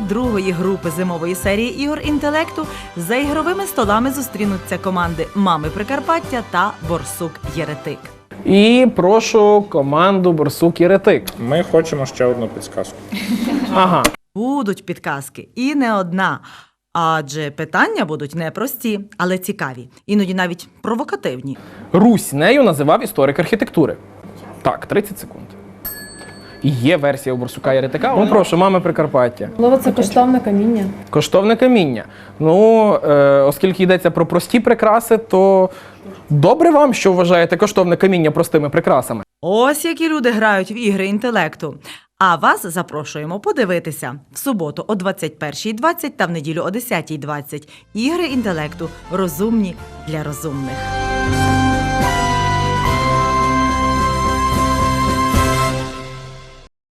другої групи зимової серії ігор інтелекту за ігровими столами зустрінуться команди «Мами Прикарпаття» та «Борсук Єретик». І прошу команду «Борсук Єретик». Ми хочемо ще одну підсказку. Ага. Будуть підказки, і не одна. Адже питання будуть непрості, але цікаві, іноді навіть провокативні. Русь нею називав історик архітектури. Так, 30 секунд. Є версія у Борсука Єретика. Ну, прошу, «Мами Прикарпаття». Можливо, це коштовне каміння. Коштовне каміння. Ну, оскільки йдеться про прості прикраси, то добре вам, що вважаєте коштовне каміння простими прикрасами. Ось які люди грають в ігри інтелекту. А вас запрошуємо подивитися в суботу о 21:20 та в неділю о 10:20. Ігри інтелекту розумні для розумних.